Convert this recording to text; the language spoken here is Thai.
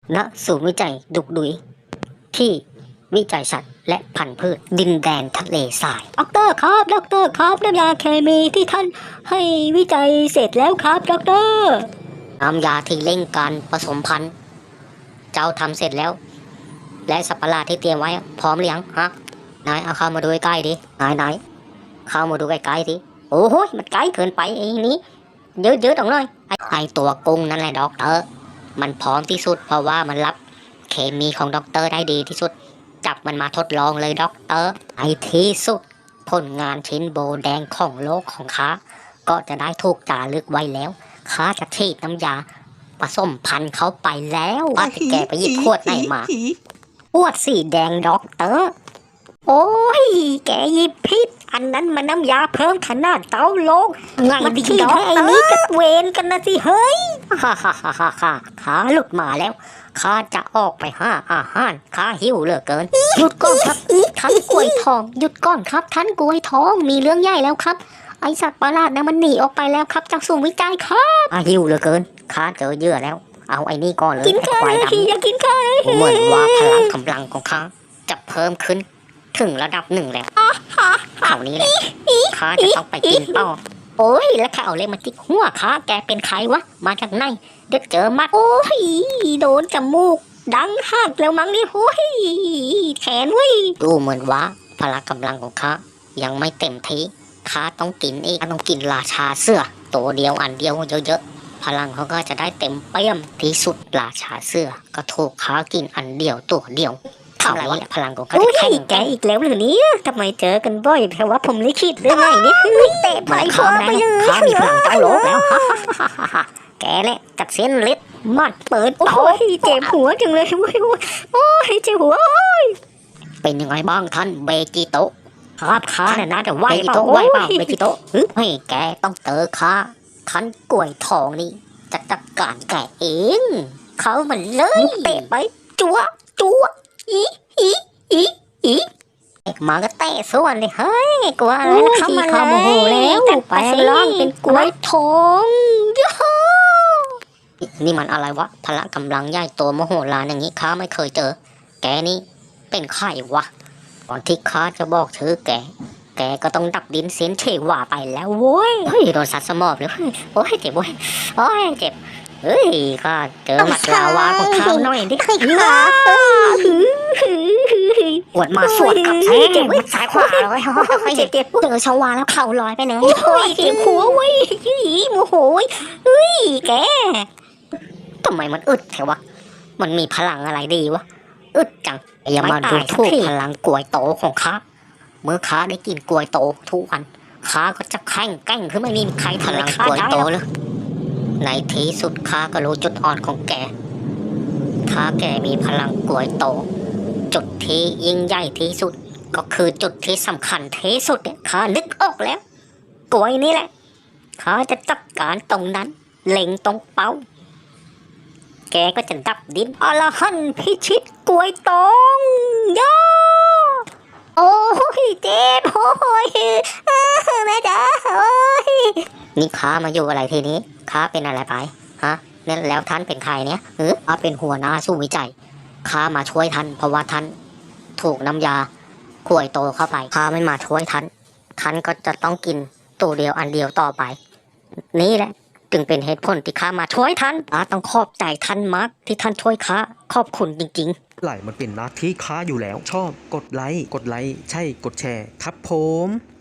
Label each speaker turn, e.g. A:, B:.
A: ณศูนย์วิจัยดุกดุยที่วิจัยสัตว์และพันธุ์พืชดินแดนทะเลทรายด็อกเตอร์ครับด็อกเตอร์ครับน้ำยาเคมีที่ท่านให้วิจัยเสร็จแล้วครับด็อกเตอร์น้ำยาที่เร่งการผสมพันธุ์เจ้าทำเสร็จแล้วและสัตว์ประหลาดที่เตรียมไว้พร้อมหรือยังฮะนายเอาเข้ามาดูใกล้ๆดินายเข้ามาดูใกล้ๆดิโอ้โหมันใกล้เกินไปไอ้นี้เยอะๆตรงเลยไอตัวกุ้งนั่นแหละด็อกเตอร์มันพร้อมที่สุดเพราะว่ามันรับเคมีของด็อกเตอร์ได้ดีที่สุดจับมันมาทดลองเลยด็อกเตอร์ไอที่สุดผลงานชิ้นโบแดงของโลกของข้าก็จะได้ถูกจารึกไว้แล้วข้าจะฉีดน้ำยาผสมพันธุ์เขาไปแล้วว่าจะแกไปหยิบขวดไหนมาขวดสีแดงด็อกเตอร์โอ้ยแกหยิบผิดอันนั้นมันน้ำยาเพิ่มขนาดเตาลงไงดิด็อกเตอร์ไอ้นี่ก็เวนกันนะสิเฮ้ยฮ่าขาหลุดมาแล้วข้าจะออกไปหาอาหารข้าหิวเหลือเกินหยุดก่อนครับท่านกล้วยทองหยุดก่อนครับท่านกล้วยทองมีเรื่องใหญ่แล้วครับไอสัตว์ประหลาดนะมันหนีออกไปแล้วครับจากศูนย์วิจัยครับหิวเหลือเกินข้าเจอเหยื่อแล้วเอาไอ้นี่ก่อนเลยกินข้าวอย่ากินข้าวเหมือนว่าพลังกำลังของข้าจะเพิ่มขึ้นถึงระดับหนึ่งแล้วคราวนี้แหละข้าจะต้องไปกินต่อโอ้ยแล้วข้าเอาเลยมาจิกหัวข้าแกเป็นใครวะมาจากไหนเด็กเจอมัดโอ้ยโดนจมูกดังหักแล้วมั้งนี่โอ้ยแขนเว้ยดูเหมือนว่าพละกำลังของข้ายังไม่เต็มที่ข้าต้องกินอีกต้องกินราชาเสื้อตัวเดียวอันเดียวเยอะๆพลังเขาก็จะได้เต็มเปี่ยมที่สุดราชาเสื้อก็ถูกข้ากินอันเดียวตัวเดียวคราวนี้พลังของเขาจะแข็งแกอีกแล้วหรือเนี่ยทำไมเจอกันบ่อยแต่ว่าผมลิขิตเรื่องไหนเนี่ยเตะไปคอไปเลยข้ามีพลังเจ้าโลกแล้วแกแหละจัดเส้นเล็ดมัดเปิดโอ้ยเจ็บหัวจังเลยโอ้ยเจ็บหัวเป็นยังไงบ้างท่านเบจิโตะครับข้าเนี่ยนะแต่ไหวเปล่าเบจิโตะเฮ้ยแกต้องเจอข้าท่านกล้วยทองนี่จะจัดการแกเองเขามันเลยเตะไปจัวอีมาก็เตะส่วนเลยเฮ้ยกลัวอะไรนะเข้ามาโมโหแล้วไปร้องเป็นกล้วยทองนี่มันอะไรวะพละกำลังใหญ่โตโมโหลานอย่างนี้ข้าไม่เคยเจอแกนี่เป็นใครวะก่อนที่ข้าจะบอกชื่อแกก็ต้องดับดินเสียนเฉว่าไปแล้วโว้ยเฮ้ยโดนสัตว์สมอบเลยโอ้ยเจ็บโว้ยโอ้ยเจ็บเฮ้ยข้าเจอหมัดลาวาของข้าหน่อยดิปวดมาสวดกับแท้เจ็บซ้ายขวาเลยเจ็บเจอชาวาแล้วเข่าลอยไปเลยโอ้ยเจ็บหัวเว้ยโมโหเฮ้ยแกทำไมมันอึดแถววะมันมีพลังอะไรดีวะอึดจังอย่ามาดูถูกพลังกล้วยโตของข้าเมื่อข้าได้กินกล้วยโตทุกวันข้าก็จะแข็งแกร่งขึ้นไม่มีใครพลังกล้วยโตเลยในที่สุดข้าก็รู้จุดอ่อนของแกถ้าแกมีพลังกล้วยโตจุดที่ยิ่งใหญ่ที่สุดก็คือจุดที่สำคัญที่สุดเนี่ยข้านึกออกแล้วกล้วยนี่แหละข้าจะจัดการตรงนั้นเล็งตรงเป้าแกก็จะดับดินอรหันต์พิชิตกล้วยตองย่าโอ้ยเจ็บโอ้ยแม่จ๋าโอ้ยนี่ข้ามาอยู่อะไรทีนี้ข้าเป็นอะไรไปฮะนั่นแล้วท่านเป็นใครเนี่ยข้าเป็นหัวหน้าสู้วิจัยข้ามาช่วยท่านเพราะว่าท่านถูกน้ำยากล้วยโตเข้าไปข้าไม่มาช่วยท่านก็จะต้องกินตัวเดียวอันเดียวต่อไปนี่แหละจึงเป็นเหตุผลที่ข้ามาช่วยท่านต้องขอบใจท่านมากที่ท่านช่วยข้าขอบคุณจริงๆ
B: ไหลมันเป็นหน้าที่ข้าอยู่แล้วชอบกดไลค์ใช่กดแชร์ครับผม